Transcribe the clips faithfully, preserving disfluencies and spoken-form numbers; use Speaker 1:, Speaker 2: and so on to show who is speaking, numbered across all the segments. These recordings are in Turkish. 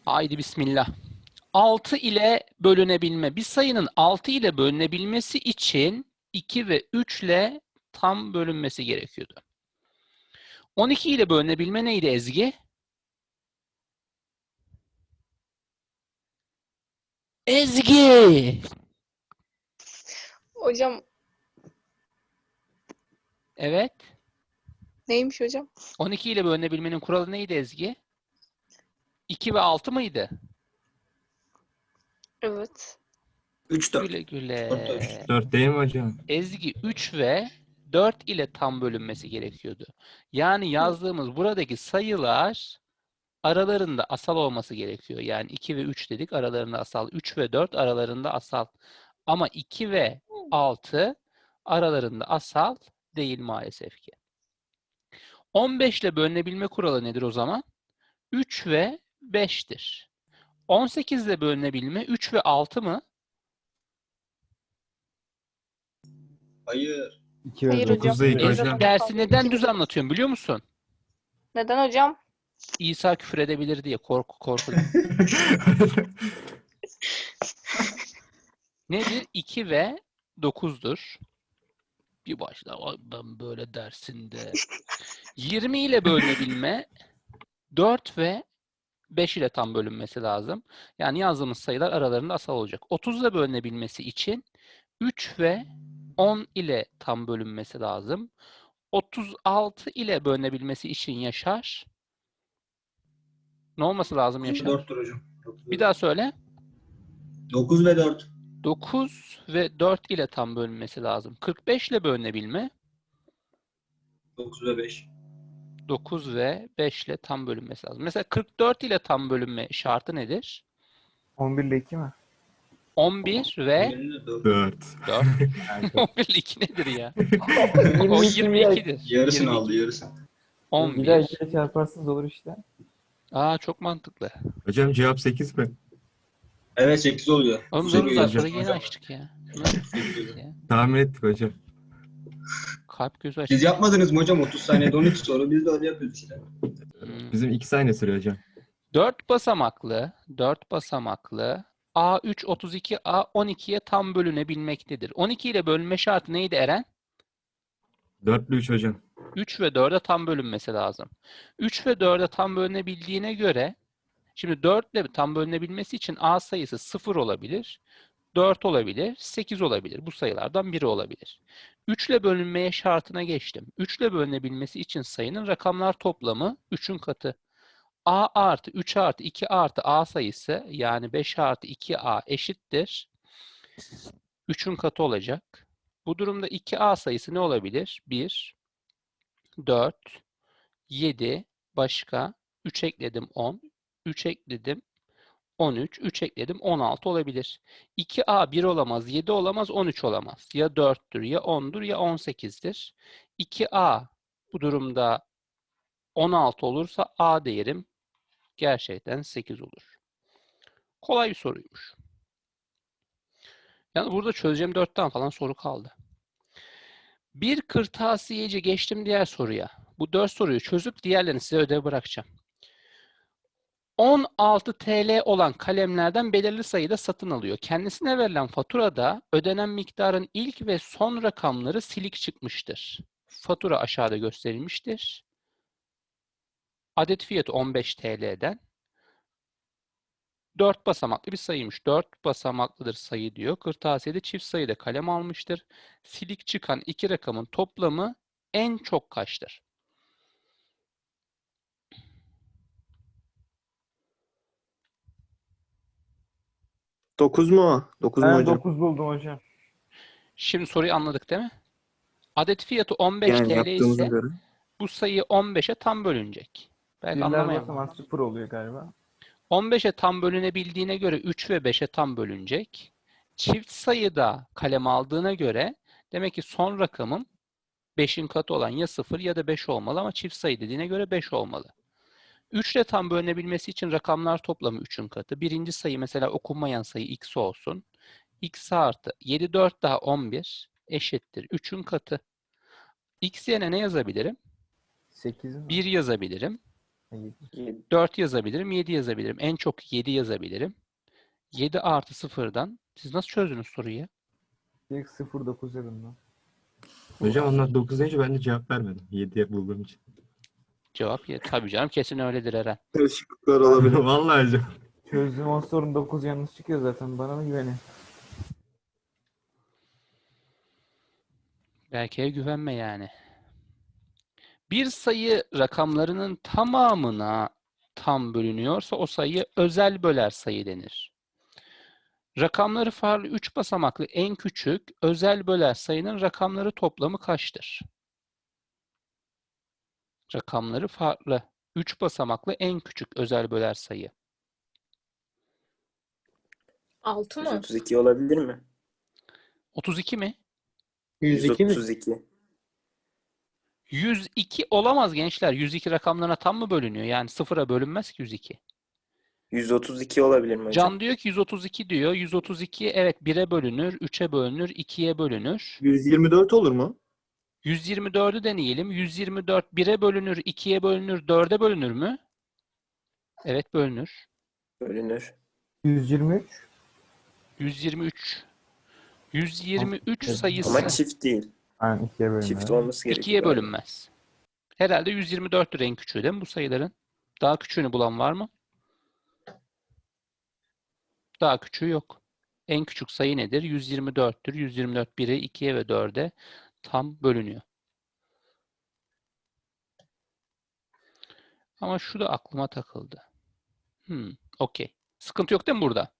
Speaker 1: Haydi bismillah. altı ile bölünebilme. Bir sayının altı ile bölünebilmesi için iki ve üç ile tam bölünmesi gerekiyordu. on iki ile bölünebilme neydi Ezgi? Ezgi!
Speaker 2: Hocam
Speaker 1: Evet.
Speaker 2: neymiş hocam?
Speaker 1: on iki ile bölünebilmenin kuralı neydi Ezgi? iki ve altı mıydı?
Speaker 2: Evet.
Speaker 3: üç dört.
Speaker 1: Güle güle.
Speaker 3: dört dört.
Speaker 4: dört değil mi hocam?
Speaker 1: Ezgi üç ve dört ile tam bölünmesi gerekiyordu. Yani yazdığımız buradaki sayılar aralarında asal olması gerekiyor. Yani iki ve üç dedik, aralarında asal. üç ve dört aralarında asal. Ama iki ve altı aralarında asal değil maalesef ki. on beş ile bölünebilme kuralı nedir o zaman? üç ve beştir. on sekiz ile bölünebilme üç ve altı mı?
Speaker 3: Hayır.
Speaker 5: iki ve
Speaker 2: Hayır
Speaker 5: dokuz
Speaker 2: hocam.
Speaker 4: değil
Speaker 2: Ezgi
Speaker 4: hocam.
Speaker 1: Dersi neden
Speaker 2: iki
Speaker 1: düz
Speaker 2: ve-
Speaker 1: anlatıyorum biliyor musun?
Speaker 2: Neden hocam?
Speaker 1: İsa küfür edebilir diye korku korku. Nedir? iki ve dokuzdur. Bir başla "Ay ben böyle dersinde. yirmi ile bölünebilme dört ve beş ile tam bölünmesi lazım. Yani yazdığımız sayılar aralarında asal olacak. otuz ile bölünebilmesi için üç ve on ile tam bölünmesi lazım. otuz altı ile bölünebilmesi için Yaşar. Ne olması lazım
Speaker 3: dokuz ve
Speaker 1: Yaşar?
Speaker 3: dörttür hocam. dokuz
Speaker 1: Bir daha söyle.
Speaker 3: dokuz ve dört.
Speaker 1: dokuz ve dört ile tam bölünmesi lazım. kırk beş ile bölünebilme
Speaker 3: dokuz ve beş.
Speaker 1: dokuz ve beş ile tam bölünmesi lazım. Mesela kırk dört ile tam bölünme şartı nedir?
Speaker 5: on bir ile iki mi?
Speaker 1: on bir ve
Speaker 3: dört.
Speaker 4: dört.
Speaker 1: dört.
Speaker 5: Evet.
Speaker 1: on bir ile iki nedir ya? O
Speaker 5: yirmi iki
Speaker 1: yirmi ikidir.
Speaker 3: Yarısını
Speaker 1: yirmi iki.
Speaker 3: aldı yarısını.
Speaker 5: Bir daha
Speaker 1: on bir.
Speaker 5: ikiye çarparsanız olur işte.
Speaker 1: Aa çok mantıklı.
Speaker 4: Hocam cevap sekiz mi?
Speaker 3: Evet sekiz oluyor.
Speaker 1: Oğlum
Speaker 3: Sekiz
Speaker 1: dur daha
Speaker 3: hocam.
Speaker 1: sonra yeni açtık ya. Nasıl sekiz ya?
Speaker 4: Tahmin ettik hocam.
Speaker 1: Kalp gözü
Speaker 3: Siz
Speaker 1: açtık.
Speaker 3: yapmadınız mı hocam otuz saniyede on üç soru biz de öyle yapıyoruz işte.
Speaker 1: Hmm.
Speaker 4: Bizim iki saniye sürüyor hocam.
Speaker 1: dört basamaklı, dört basamaklı A üç otuz iki A on ikiye tam bölünebilmektedir. on iki ile bölünme şartı neydi Eren?
Speaker 4: dörtlü üç hocam.
Speaker 1: üç ve dörde tam bölünmesi lazım. üç ve dörde tam bölünebildiğine göre şimdi dört ile tam bölünebilmesi için A sayısı sıfır olabilir, dört olabilir, sekiz olabilir. Bu sayılardan biri olabilir. üç ile bölünmeye şartına geçtim. üç ile bölünebilmesi için sayının rakamlar toplamı üçün katı. A artı üç artı iki artı A sayısı yani beş artı iki A eşittir. üçün katı olacak. Bu durumda iki A sayısı ne olabilir? bir, dört, yedi, başka üç ekledim on, üç ekledim on üç, üç ekledim on altı olabilir. iki A bir olamaz, yedi olamaz, on üç olamaz. Ya dörttür, ya ondur, ya on sekizdir. iki A bu durumda on altı olursa A değerim gerçekten sekiz olur. Kolay bir soruymuş. Yani burada çözeceğim dört tane falan soru kaldı. Bir kırtasiyeci geçtim diğer soruya. Bu dört soruyu çözüp diğerlerini size ödev bırakacağım. on altı T L olan kalemlerden belirli sayıda satın alıyor. Kendisine verilen faturada ödenen miktarın ilk ve son rakamları silik çıkmıştır. Fatura aşağıda gösterilmiştir. Adet fiyatı on beş T L'den. dört basamaklı bir sayıymış. dört basamaklıdır sayı diyor. Kırtasiyede çift sayıda kalem almıştır. Silik çıkan iki rakamın toplamı en çok kaçtır?
Speaker 6: dokuz mu o? dokuz mu
Speaker 5: Ben
Speaker 6: hocam?
Speaker 5: dokuz buldum hocam.
Speaker 1: Şimdi soruyu anladık değil mi? Adet fiyatı on beş
Speaker 6: Yani
Speaker 1: T L
Speaker 6: yaptığımıza
Speaker 1: ise
Speaker 6: göre.
Speaker 1: bu sayı on beşe tam bölünecek. Belki
Speaker 5: Birler
Speaker 1: anlamayan var.
Speaker 5: basamak sıfır oluyor galiba.
Speaker 1: on beşe tam bölünebildiğine göre üç ve beşe tam bölünecek. Çift sayıda kalem aldığına göre demek ki son rakamım beşin katı olan ya sıfır ya da beş olmalı ama çift sayı dediğine göre beş olmalı. üç ile tam bölünebilmesi için rakamlar toplamı üçün katı. Birinci sayı mesela okunmayan sayı x olsun. X artı yedi, dört daha on bir eşittir üçün katı. X yerine ne yazabilirim?
Speaker 5: sekiz mi?
Speaker 1: bir yazabilirim.
Speaker 5: Yedi.
Speaker 1: dört yazabilirim, yedi yazabilirim. En çok yedi yazabilirim. yedi artı sıfırdan. Siz nasıl çözdünüz soruyu ya?
Speaker 5: Direkt sıfır dokuz dedim ben.
Speaker 4: Hocam onlar dokuz deyince ben de cevap vermedim. yediye bulduğum için.
Speaker 1: Cevap ya. Tabii canım, kesin öyledir Eren.
Speaker 6: Karışıklıklar olabilir.
Speaker 4: Vallahi hocam.
Speaker 5: Çözdüğüm on sorunun dokuz yanlış çıkıyor zaten. Bana mı güvenin?
Speaker 1: Belki'ye güvenme yani. Bir sayı rakamlarının tamamına tam bölünüyorsa o sayı özel böler sayı denir. Rakamları farklı üç basamaklı en küçük özel böler sayının rakamları toplamı kaçtır? Rakamları farklı üç basamaklı en küçük özel böler sayı.
Speaker 2: Altı
Speaker 7: yüz
Speaker 2: mı?
Speaker 7: otuz iki olabilir mi?
Speaker 1: otuz iki mi?
Speaker 6: yüz iki mi?
Speaker 7: yüz otuz iki.
Speaker 1: yüz iki olamaz gençler. yüz iki rakamlarına tam mı bölünüyor? Yani sıfıra bölünmez ki yüz iki.
Speaker 7: yüz otuz iki olabilir mi hocam?
Speaker 1: Can diyor ki yüz otuz iki diyor. yüz otuz iki evet bire bölünür, üçe bölünür, ikiye bölünür.
Speaker 6: yüz yirmi dört olur mu?
Speaker 1: yüz yirmi dördü deneyelim. yüz yirmi dört bire bölünür, ikiye bölünür, dörde bölünür mü? Evet bölünür.
Speaker 7: Bölünür.
Speaker 5: yüz yirmi üç.
Speaker 1: yüz yirmi üç. yüz yirmi üç
Speaker 5: Evet.
Speaker 1: sayısı
Speaker 7: Ama çift değil.
Speaker 5: Aynen ikiye bölünüyor.
Speaker 7: Çift olması gerekiyor.
Speaker 1: ikiye
Speaker 7: galiba.
Speaker 1: bölünmez. Herhalde yüz yirmi dörttür en küçüğü değil mi bu sayıların? Daha küçüğünü bulan var mı? Daha küçüğü yok. En küçük sayı nedir? yüz yirmi dörttür. yüz yirmi dört bire, ikiye ve dörde tam bölünüyor. Ama şu da aklıma takıldı. Hmm, okey. Sıkıntı yok değil mi burada?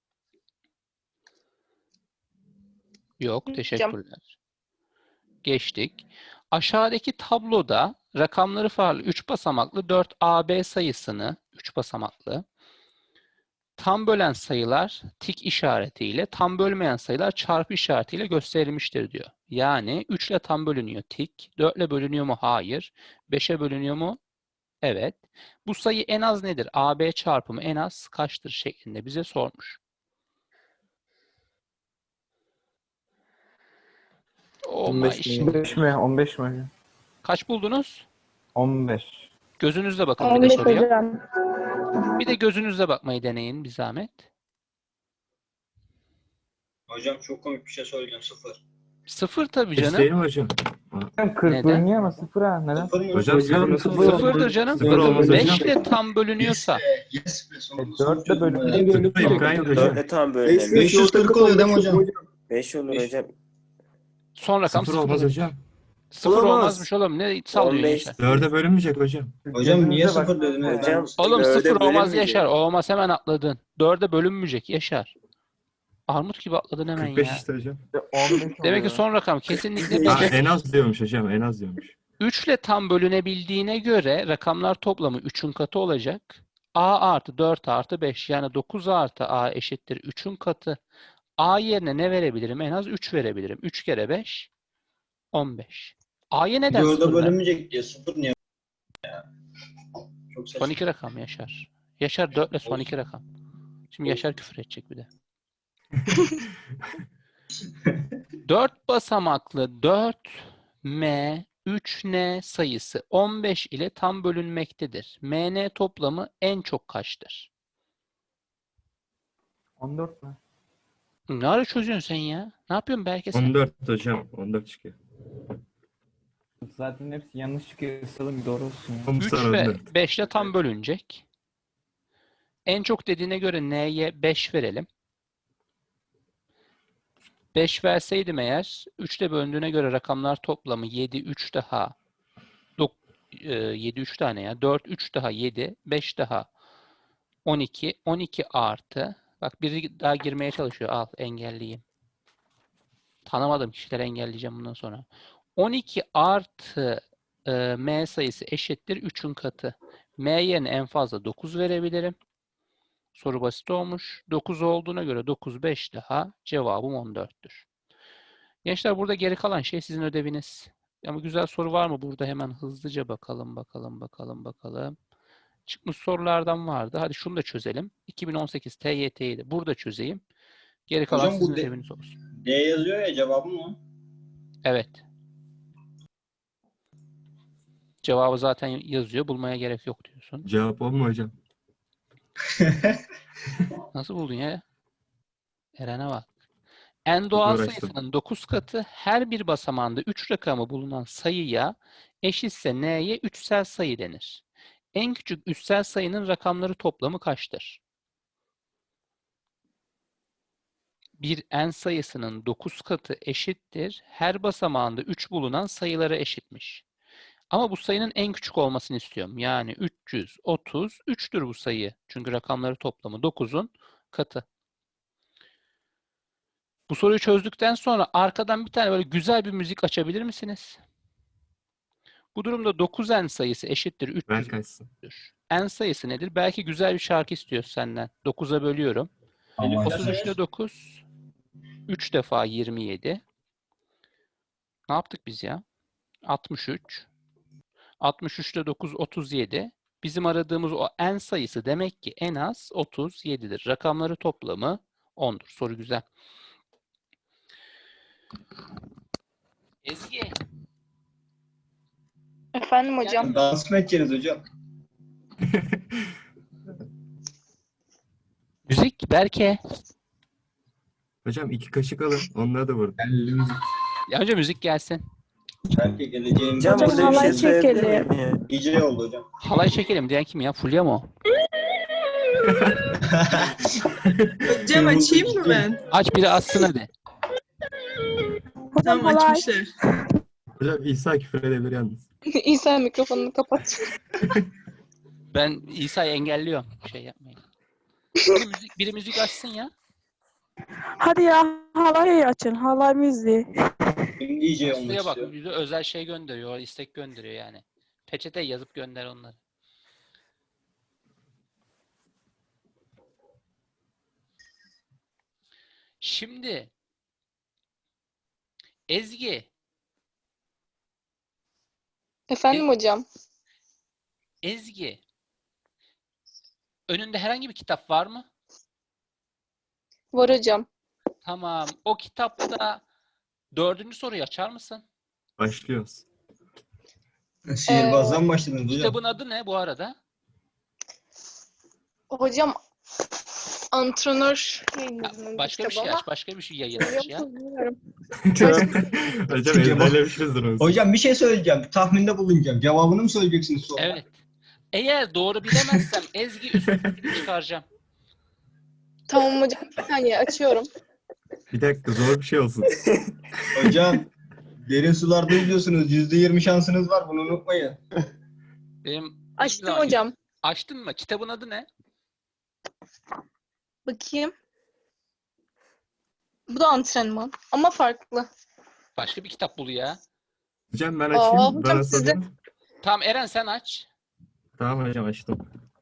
Speaker 1: Yok, teşekkürler. Geçtik. Aşağıdaki tabloda rakamları farklı üç basamaklı dört A B sayısını, üç basamaklı, tam bölen sayılar tik işaretiyle, tam bölmeyen sayılar çarpı işaretiyle gösterilmiştir diyor. Yani üç ile tam bölünüyor tik, dört ile bölünüyor mu? Hayır. beşe bölünüyor mu? Evet. Bu sayı en az nedir? A B çarpımı en az kaçtır şeklinde bize sormuş. Oh
Speaker 6: on beş
Speaker 1: my
Speaker 6: mi?
Speaker 1: shit.
Speaker 5: on beş mi? on beş mi hocam?
Speaker 1: Kaç buldunuz?
Speaker 5: on beş.
Speaker 1: Gözünüzle bakın bir de
Speaker 2: on beş
Speaker 1: soruya.
Speaker 2: hocam.
Speaker 1: Bir de gözünüzle bakmayı deneyin bir zahmet.
Speaker 3: Hocam çok komik bir şey söyleyeceğim. Sıfır.
Speaker 1: Sıfır tabii
Speaker 4: Hiç
Speaker 1: canım.
Speaker 4: değil mi hocam?
Speaker 5: Hocam kırk
Speaker 1: Neden?
Speaker 5: bölünüyor ama sıfır ha. Neden?
Speaker 3: Sıfır mı?
Speaker 4: Hocam sıfır,
Speaker 6: Sıfır
Speaker 4: sıfır,
Speaker 1: Sıfırdır canım.
Speaker 4: Sıfır olmaz
Speaker 1: beş
Speaker 4: hocam.
Speaker 1: ile tam bölünüyorsa.
Speaker 3: Yes be. Sonunda
Speaker 5: E, dört de
Speaker 3: sonuç
Speaker 5: bölünüyor.
Speaker 3: çözüm.
Speaker 4: Sıfır imkan yok hocam.
Speaker 7: dörtle tam bölünebilir.
Speaker 3: beş yüz kırk oluyor değil mi hocam?
Speaker 7: beş olur
Speaker 3: Beş.
Speaker 7: hocam.
Speaker 1: Son rakam
Speaker 4: Sıfır
Speaker 1: sıfır
Speaker 4: olmaz
Speaker 1: olur.
Speaker 4: hocam.
Speaker 1: Sıfır
Speaker 6: Olamaz.
Speaker 1: olmazmış oğlum. Ne sallıyorsun
Speaker 7: on beş.
Speaker 1: Yaşar?
Speaker 4: Dörde bölünmeyecek hocam.
Speaker 3: Hocam niye
Speaker 5: Gözünüze
Speaker 3: sıfır
Speaker 5: bak-
Speaker 3: dediniz?
Speaker 7: Hocam,
Speaker 3: Ben-
Speaker 1: Oğlum
Speaker 7: Dörde
Speaker 1: sıfır olmaz
Speaker 7: bölünmeyecek.
Speaker 1: Yaşar. Olmaz hemen atladın. Dörde bölünmeyecek Yaşar. Armut gibi atladın hemen
Speaker 4: kırk beş
Speaker 1: ya.
Speaker 4: işte hocam.
Speaker 5: on beş
Speaker 1: Demek ki
Speaker 5: oluyor.
Speaker 1: son rakam kesinlikle
Speaker 4: Ha,
Speaker 1: beş.
Speaker 4: en az diyormuş hocam. En az diyormuş.
Speaker 1: üç ile tam bölünebildiğine göre rakamlar toplamı üçün katı olacak. A artı dört artı beş yani dokuz artı A eşittir üçün katı. A yerine ne verebilirim? En az üç verebilirim. üç kere beş on beş. A'ya neden
Speaker 3: Dörde
Speaker 1: sıfır ver?
Speaker 3: bölünmeyecek diye sıfır niye? Ya. Çok saçma.
Speaker 1: Son iki rakam Yaşar. Yaşar dört ile son iki rakam. Şimdi Yaşar küfür edecek bir de. dört basamaklı dört M üç N sayısı on beş ile tam bölünmektedir. M N toplamı en çok kaçtır?
Speaker 5: on dört mü?
Speaker 1: Ne ara çözüyorsun sen ya? Ne yapıyorsun belki sen?
Speaker 4: on dört hocam. on dört çıkıyor.
Speaker 5: Zaten hepsi yanlış çıkıyor. Salın doğru olsun ya.
Speaker 4: On
Speaker 1: üç
Speaker 4: sonra on
Speaker 1: ve
Speaker 4: dört.
Speaker 1: beş ile tam bölünecek. En çok dediğine göre N'ye beş verelim. beş verseydim eğer üç ile bölündüğüne göre rakamlar toplamı yedi, üç daha yedi, üç tane ya. dört, üç daha yedi, beş daha on iki. on iki artı bak biri daha girmeye çalışıyor. Al engelleyeyim. Tanımadığım kişileri engelleyeceğim bundan sonra. on iki artı e, M sayısı eşittir üçün katı. M yerine en fazla dokuz verebilirim. Soru basit olmuş. dokuz olduğuna göre dokuz, beş daha cevabım on dörttür. Gençler burada geri kalan şey sizin ödeviniz. Ama güzel soru var mı burada? Hemen hızlıca bakalım, bakalım, bakalım, bakalım. Çıkmış sorulardan vardı. Hadi şunu da çözelim. iki bin on sekiz T Y T'yi de burada çözeyim. Geri kalan
Speaker 3: Hocam bu
Speaker 1: sizin
Speaker 3: de-
Speaker 1: ödeviniz olsun.
Speaker 3: D yazıyor ya cevabı mı?
Speaker 1: Evet. cevabı zaten yazıyor. Bulmaya gerek yok diyorsun.
Speaker 4: Cevap o mu hocam?
Speaker 1: Nasıl buldun ya? Eren'e bak. En doğal
Speaker 4: uğraştım.
Speaker 1: sayısının dokuz katı her bir basamağında üç rakamı bulunan sayıya eşitse n'ye üçsel sayı denir. En küçük üssel sayının rakamları toplamı kaçtır? Bir n sayısının dokuz katı eşittir. Her basamağında üç bulunan sayılara eşitmiş. Ama bu sayının en küçük olmasını istiyorum. Yani üç yüz otuz üçtür bu sayı. Çünkü rakamları toplamı dokuzun katı. Bu soruyu çözdükten sonra arkadan bir tane böyle güzel bir müzik açabilir misiniz? Bu durumda dokuz n sayısı eşittir
Speaker 4: Ver
Speaker 1: üç yüz.
Speaker 4: kaçsın.
Speaker 1: N sayısı nedir? Belki güzel bir şarkı istiyor senden. dokuza bölüyorum. otuz üçte dokuz. üç defa yirmi yedi. Ne yaptık biz ya? altmış üç. altmış üçte dokuz otuz yedi. Bizim aradığımız o n sayısı demek ki en az otuz yedidir. Rakamları toplamı ondur. Soru güzel. Ezgi.
Speaker 2: Efendim hocam.
Speaker 3: Dans mı edeceğiz hocam?
Speaker 1: Müzik Berke.
Speaker 4: Hocam iki kaşık alın. Onları da vurun.
Speaker 1: Ya önce müzik gelsin.
Speaker 3: Belki geleceğim.
Speaker 7: Hocam
Speaker 8: Hocam,
Speaker 7: burada bir şey
Speaker 8: halay
Speaker 7: söyleyebilir
Speaker 8: çekelim.
Speaker 7: miyim ya?
Speaker 3: D J oldu hocam.
Speaker 1: Halay çekelim diyen kim ya? Fulya mı o?
Speaker 9: Hocam açayım mı ben?
Speaker 1: Aç biri açsın hadi.
Speaker 8: Hocam
Speaker 9: Tamam
Speaker 8: halay.
Speaker 9: açmışlar.
Speaker 4: Hocam İsa küfür edebilir yalnız.
Speaker 2: İsa mikrofonunu kapat.
Speaker 1: Ben İsa'yı engelliyorum. Şey yapmayın. Biri müzik, biri müzik açsın ya.
Speaker 8: Hadi ya halay açın. Halay müziği.
Speaker 3: Kim D J olmak
Speaker 1: Aslı'ya bak
Speaker 3: istiyor?
Speaker 1: bize özel şey gönderiyor. istek gönderiyor yani. Peçete yazıp gönder onları. Şimdi Ezgi,
Speaker 2: Efendim hocam.
Speaker 1: Ezgi. Önünde herhangi bir kitap var mı?
Speaker 2: Var hocam.
Speaker 1: Tamam. O kitapta dördüncü soruyu açar mısın?
Speaker 4: Başlıyoruz.
Speaker 3: Sihirbazdan mı başladınız hocam?
Speaker 1: Kitabın adı ne bu arada?
Speaker 2: Hocam antrenör
Speaker 1: Ha,
Speaker 2: yayınlarının
Speaker 1: başka bir
Speaker 2: kitabı
Speaker 1: şey
Speaker 2: ama
Speaker 1: aç. Başka bir şey yayın aç ya.
Speaker 2: bilmiyorum.
Speaker 4: Hocam ezberlemişizdir onu.
Speaker 3: Hocam bir şey söyleyeceğim. Tahminde bulunacağım. Cevabını mı söyleyeceksiniz sonra?
Speaker 1: Evet. Eğer doğru bilemezsem Ezgi üstüne çıkaracağım.
Speaker 2: Tamam hocam. Bir saniye açıyorum.
Speaker 4: Bir dakika zor bir şey olsun.
Speaker 3: Hocam derin sularda yüzüyorsunuz. yüzde yirmi şansınız var. Bunu unutmayın.
Speaker 1: Benim hiçbir
Speaker 2: Açtım
Speaker 1: zaman-
Speaker 2: hocam.
Speaker 1: Açtın mı? Kitabın adı ne?
Speaker 2: Bakayım. Bu da antrenman ama farklı.
Speaker 1: Başka bir kitap bul ya.
Speaker 4: Hocam ben
Speaker 2: Aa,
Speaker 4: açayım.
Speaker 2: hocam
Speaker 4: Bana
Speaker 2: sizde-
Speaker 4: sorun.
Speaker 1: Tamam Eren sen aç.
Speaker 4: Tamam hocam açtım.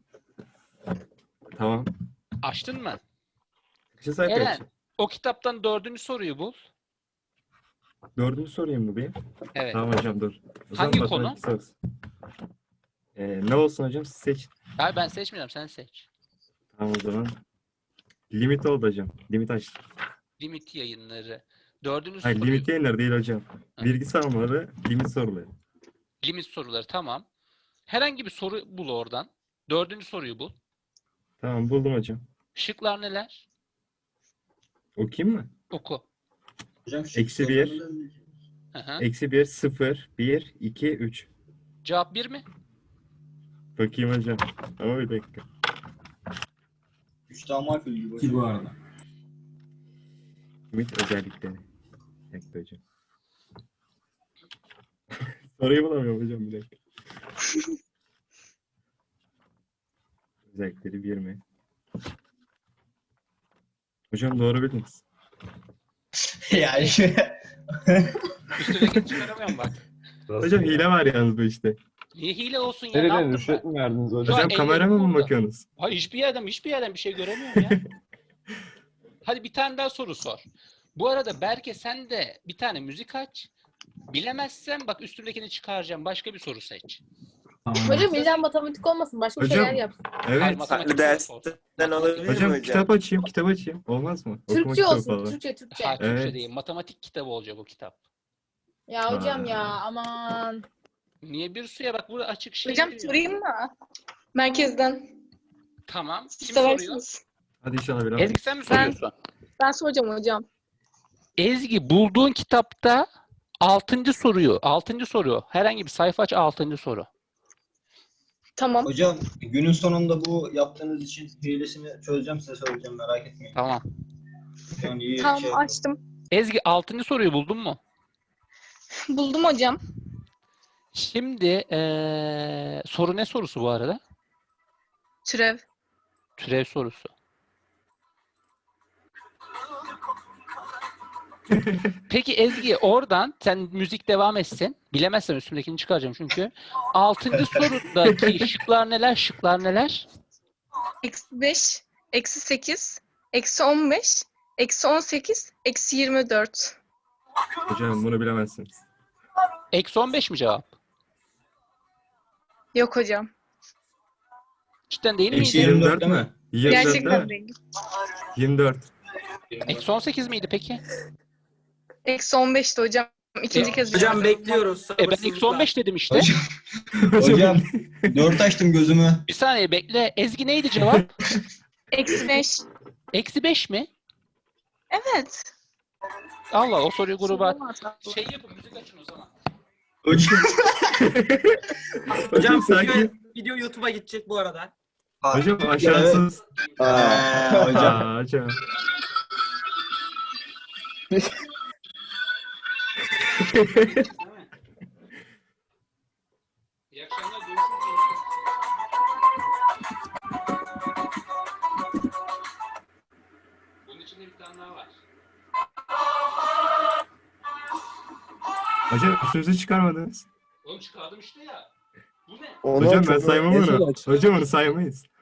Speaker 4: Tamam.
Speaker 1: Açtın mı?
Speaker 4: Bir şey sayfa
Speaker 1: Eren
Speaker 4: açayım.
Speaker 1: o kitaptan dördüncü soruyu bul.
Speaker 4: Dördüncü sorayım mı bir?
Speaker 1: Evet.
Speaker 4: Tamam hocam dur. O zaman
Speaker 1: Hangi
Speaker 4: matematik sorusu. Ee, ne olsun hocam siz seçin.
Speaker 1: Hayır ben seçmiyorum sen seç.
Speaker 4: Tamam o zaman. Limit oldu hocam. Limit açtım.
Speaker 1: Limit yayınları. Dördüncü
Speaker 4: Hayır
Speaker 1: soruyu.
Speaker 4: limit yayınları değil hocam.
Speaker 1: Ha.
Speaker 4: Bilgi sağlamaları, limit soruları.
Speaker 1: Limit soruları tamam. Herhangi bir soru bul oradan. Dördüncü soruyu bul.
Speaker 4: Tamam buldum hocam.
Speaker 1: Şıklar neler?
Speaker 4: Okuyayım mı?
Speaker 1: Oku.
Speaker 3: Hocam şu
Speaker 4: Eksi bir.
Speaker 3: soruları-
Speaker 1: Hı hı.
Speaker 4: Eksi bir, sıfır, bir, iki, üç.
Speaker 1: Cevap bir mi?
Speaker 4: Bakayım hocam. Ama bir dakika.
Speaker 3: Üç daha makul gibi hocam.
Speaker 6: bu arada.
Speaker 4: Limit özellikleri. Bir dakika hocam. Soruyu bulamıyorum hocam bir dakika. Özellikleri bir mi? Hocam doğru bildiniz.
Speaker 3: yani
Speaker 1: Üstündekini çıkaramıyorum bak.
Speaker 4: Hocam hile var yalnız bu işte.
Speaker 1: Niye hile olsun ya? Ne
Speaker 5: Nereden
Speaker 1: yaptım
Speaker 5: rüşvet
Speaker 1: ben?
Speaker 5: mi verdiniz hocam?
Speaker 1: Şu an
Speaker 4: Hocam kamerama
Speaker 1: ellerim
Speaker 4: mı
Speaker 1: burada.
Speaker 4: bakıyorsunuz?
Speaker 1: Hayır hiçbir yerden hiçbir yerden bir şey göremiyorum ya. Hadi bir tane daha soru sor. Bu arada Berke sen de bir tane müzik aç. Bilemezsem bak üstündekini çıkaracağım. Başka bir soru seç.
Speaker 10: Hocam illa matematik olmasın. Başka
Speaker 4: Hocam,
Speaker 10: şeyler yapsın.
Speaker 1: Hayır,
Speaker 4: Evet.
Speaker 1: matematik
Speaker 7: Farklı
Speaker 1: soru
Speaker 7: dersten
Speaker 1: sor.
Speaker 7: olabilir mi
Speaker 4: Hocam
Speaker 7: hocam?
Speaker 4: kitap açayım, kitap açayım. Olmaz mı? Okuma
Speaker 10: Türkçe
Speaker 4: kitabı
Speaker 10: olsun.
Speaker 4: falan.
Speaker 10: Türkçe, Türkçe.
Speaker 1: Ha, Türkçe
Speaker 4: Evet.
Speaker 1: değil. Matematik kitabı olacak o kitap.
Speaker 10: Ya hocam
Speaker 4: Ha.
Speaker 10: ya aman.
Speaker 1: Niye bir suya? Bak burada açık şey.
Speaker 2: Hocam
Speaker 1: diyor.
Speaker 2: sorayım mı? Merkezden.
Speaker 1: Tamam.
Speaker 2: Siz
Speaker 1: Kim soruyor?
Speaker 2: seversiniz.
Speaker 4: Hadi inşallah biraz.
Speaker 1: Ezgi sen mi
Speaker 2: Ben-
Speaker 1: soruyorsun?
Speaker 2: Ben soracağım hocam.
Speaker 1: Ezgi bulduğun kitapta altıncı soruyu, altıncı soru. Herhangi bir sayfa aç altıncı soru.
Speaker 2: Tamam.
Speaker 3: Hocam günün sonunda bu yaptığınız için hilesini çözeceğim, size söyleyeceğim, merak etmeyin.
Speaker 1: Tamam.
Speaker 3: Şu an iyi
Speaker 2: Tamam
Speaker 3: şey-
Speaker 2: açtım.
Speaker 1: Ezgi altıncı soruyu buldun mu?
Speaker 2: Buldum hocam.
Speaker 1: Şimdi eee, soru ne sorusu bu arada?
Speaker 2: Türev.
Speaker 1: Türev sorusu. Peki Ezgi oradan sen müzik devam etsin. Bilemezsen üstündekini çıkaracağım çünkü. Altıncı sorudaki şıklar neler? Şıklar neler?
Speaker 2: Eksi beş, eksi sekiz, eksi on beş, eksi on sekiz, eksi yirmi dört.
Speaker 4: Hocam bunu bilemezsiniz.
Speaker 1: Eksi on beş mi cevap?
Speaker 2: Yok hocam.
Speaker 1: Cidden değil
Speaker 3: Eksi
Speaker 1: miydi?
Speaker 3: yirmi dört değil mi?
Speaker 4: yirmi dört
Speaker 2: Gerçekten
Speaker 4: değil mi?
Speaker 2: değil.
Speaker 4: yirmi dört.
Speaker 1: Eksi on sekiz miydi peki?
Speaker 2: Eksi on beşti hocam. İkinci kez
Speaker 7: Hocam bekliyoruz.
Speaker 1: E ben eksi on beş dedim işte.
Speaker 3: Hocam dört açtım gözümü.
Speaker 1: Bir saniye bekle. Ezgi neydi cevap?
Speaker 2: Eksi beş.
Speaker 1: Eksi beş mi?
Speaker 2: Evet.
Speaker 1: Allah o soruyu gruba şey yapın müzik açın o zaman.
Speaker 3: Hocam,
Speaker 4: Hocam sanki.
Speaker 7: Video YouTube'a gidecek bu arada.
Speaker 4: Hocam aşağısız.
Speaker 3: Aa, hocam.
Speaker 4: Aa, hocam.
Speaker 1: İyi akşamlar görüşürüz. Bunun içinde bir tane daha var.
Speaker 4: Hocam sözü çıkarmadınız.
Speaker 1: Oğlum çıkardım işte ya. Bu ne?
Speaker 6: Onu
Speaker 4: Hocam
Speaker 6: aç,
Speaker 4: ben
Speaker 6: onu-
Speaker 4: saymam
Speaker 6: Esra
Speaker 4: onu.
Speaker 6: aç.
Speaker 4: Hocam onu saymayız.